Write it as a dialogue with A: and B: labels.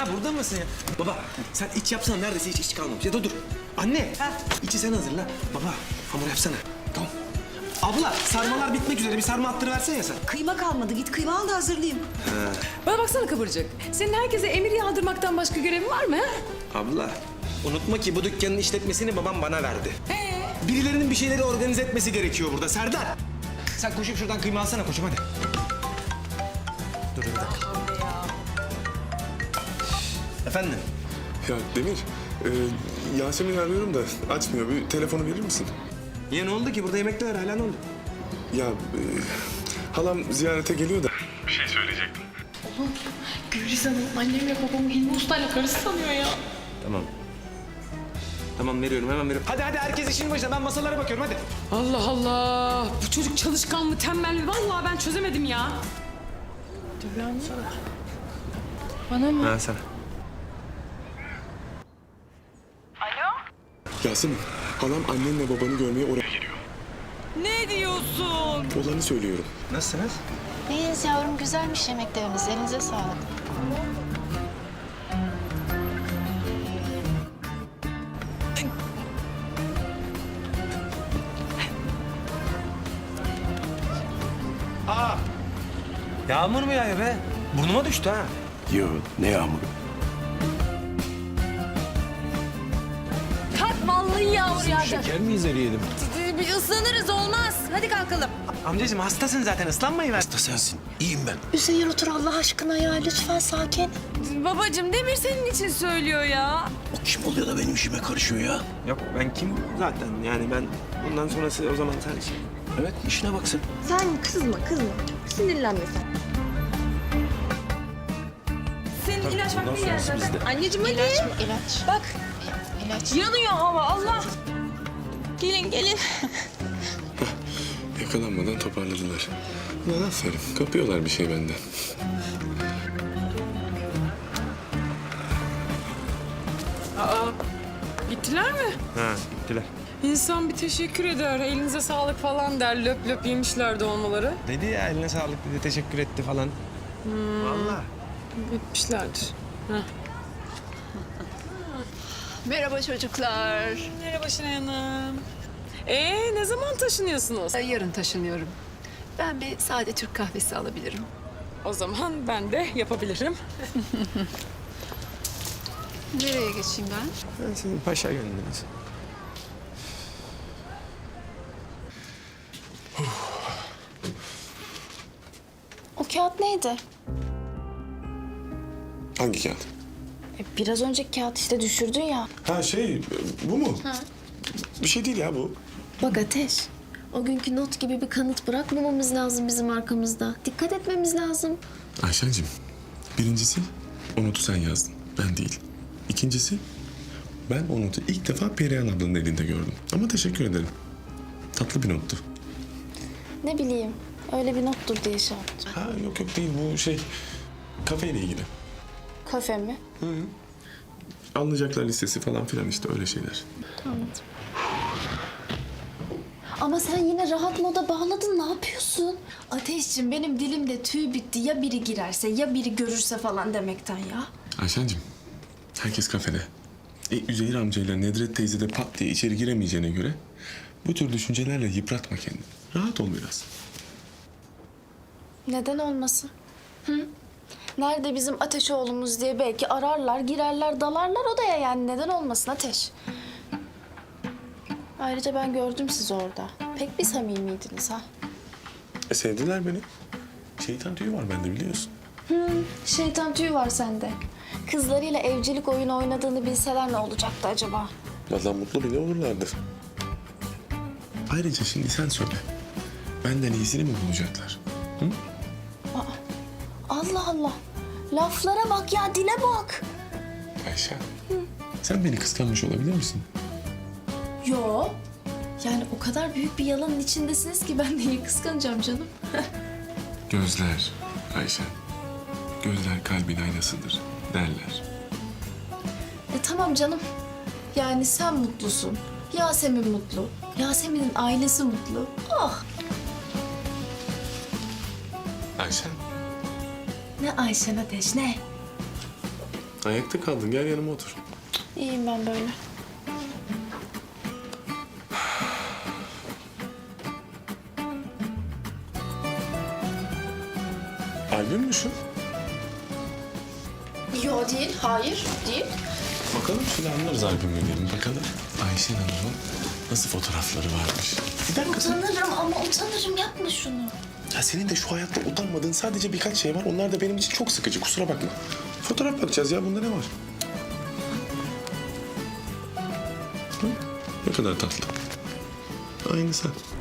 A: Ha burada mısın ya? Baba sen iç yapsana, neredeyse hiç kalmamış. Ya dur. Anne, içi sen hazırla. Baba hamur yapsana. Tamam. Abla sarmalar bitmek üzere, bir sarma attırıversene ya sen.
B: Kıyma kalmadı. Git kıyma al da hazırlayayım.
C: Bana baksana Kıvırcık. Senin herkese emir yağdırmaktan başka görevin var mı? Ha?
A: Abla unutma ki bu dükkanın işletmesini babam bana verdi. Birilerinin bir şeyleri organize etmesi gerekiyor burada Serdar. Sen koşup şuradan kıyma alsana koçum hadi. Dur bir dakika. Efendim?
D: Ya Demir, Yasemin'i arıyorum da açmıyor. Bir telefonu verir misin?
A: Ya ne oldu ki? Burada yemekler hala ne oldu?
D: Ya halam ziyarete geliyor da.
E: Gülriz Hanım annemle babamı Hilmi Usta'yla karısı sanıyor ya.
A: Tamam. Tamam veriyorum, hemen veriyorum. Hadi herkes işin başına, ben masalara bakıyorum hadi.
C: Allah Allah. Bu çocuk çalışkan mı, tembel mi? Vallahi ben çözemedim ya.
E: Bana mı?
A: Ha sana.
D: Yasemin, halam annenle babanı görmeye oraya geliyor.
C: Ne diyorsun?
D: Olanı söylüyorum.
A: Nasılsınız?
F: İyiyiz yavrum, güzelmiş yemekleriniz. Elinize sağlık.
A: Yağmur mu yağıyor be? Burnuma düştü ha.
G: Yo, ne yağmuru?
B: Kalk vallahi yağmur yağdı.
G: Şeker mi izleyelim?
B: Bir ıslanırız olmaz. Hadi kalkalım.
A: Amcacığım hastasın zaten, ıslanmayı ver.
G: Da sensin. İyiyim ben.
F: Üzeyir otur Allah aşkına ya. Lütfen sakin.
C: Babacığım Demir senin için söylüyor ya.
G: O kim oluyor da benim işime karışıyor ya?
A: Yok ben kim zaten, yani ben bundan sonrası o zaman sen şey.
G: Evet, işine bak sen.
B: Sen kızma. Sinirlenme sen. Senin ilaç vakti geldi zaten. Anneciğim hadi.
F: İlaç mı? İlaç.
B: Bak
F: İlaç.
B: yanıyor hava Allah. Gelin.
D: Yakalanmadan toparladılar. Ulan aferin, kapıyorlar bir şey benden.
C: Gittiler mi?
A: Ha gittiler.
C: İnsan bir teşekkür eder. Elinize sağlık falan der. Löp löp yemişlerdi olmaları.
A: Dedi ya eline sağlık dedi, teşekkür etti falan. Vallahi.
C: Etmişlerdir.
E: Merhaba çocuklar.
C: Merhaba Şenay Hanım. Ne zaman taşınıyorsunuz?
E: Yarın taşınıyorum. Ben bir sade Türk kahvesi alabilirim.
C: O zaman ben de yapabilirim.
E: Nereye geçeyim ben?
A: Ben sizin paşa gönlünüz.
F: O kağıt neydi?
D: Hangi kağıt?
F: Biraz önceki kağıt işte düşürdün ya.
D: Ha bu mu? Bir şey değil ya bu.
H: Bak Ateş, o günkü not gibi bir kanıt bırakmamamız lazım bizim arkamızda. Dikkat etmemiz lazım.
D: Ayşen'cim, birincisi o notu sen yazdın, ben değil. İkincisi, ben o notu ilk defa Perihan ablanın elinde gördüm. Ama teşekkür ederim. Tatlı bir nottu.
H: Ne bileyim, öyle bir nottur diye şey yaptım.
D: Ha yok değil, bu kafeyle ilgili.
H: Kafe mi?
D: Alınacaklar listesi falan filan işte öyle şeyler.
H: Ama sen yine rahat moda bağladın, ne yapıyorsun? Ateşciğim benim dilimde tüy bitti. Ya biri girerse, ya biri görürse falan demekten ya.
D: Ayşen'cim, herkes kafede. Üzeyir amcayla Nedret teyze de pat diye içeri giremeyeceğine göre bu tür düşüncelerle yıpratma kendini. Rahat ol biraz.
H: Neden olmasın? Hı? Nerede bizim Ateş oğlumuz diye belki ararlar, girerler, dalarlar odaya yani. Neden olmasın Ateş? Ayrıca ben gördüm sizi orada. Pek bir samimiydiniz ha.
D: Sevdiler beni. Şeytan tüyü var bende biliyorsun.
H: Şeytan tüyü var sende. Kızlarıyla evcilik oyunu oynadığını bilseler ne olacaktı acaba?
D: Vallahi mutlu bile olurlardı. Ayrıca şimdi sen söyle. Benden iyisini mi bulacaklar?
H: Allah Allah. Laflara bak ya, dile bak.
D: Ayşe, sen beni kıskanmış olabilir misin?
H: Yo. Yani o kadar büyük bir yalanın içindesiniz ki ben neyi kıskanacağım canım?
D: Gözler Ayşe. Gözler kalbin aynasıdır derler.
H: Tamam canım. Yani sen mutlusun. Yasemin mutlu. Yasemin'in ailesi mutlu. Oh.
D: Ayşe,
H: Ne Ayşen Ateş ne?
D: Ayakta kaldın. Gel yanıma otur.
H: İyiyim ben böyle.
D: Albüm mü şu?
H: Yo değil, hayır değil.
D: Bakalım şimdi anlarız albümü diyelim. Bakalım Ayşen Hanım'ın nasıl fotoğrafları varmış. Bir dakika.
H: Utanırım ama utanırım, yapma şunu.
D: Ya senin de şu hayatta utanmadığın sadece birkaç şey var. Onlar da benim için çok sıkıcı. Kusura bakma. Fotoğraf bakacağız ya. Bunda ne var? Hı? Ne kadar tatlı. Aynı sen.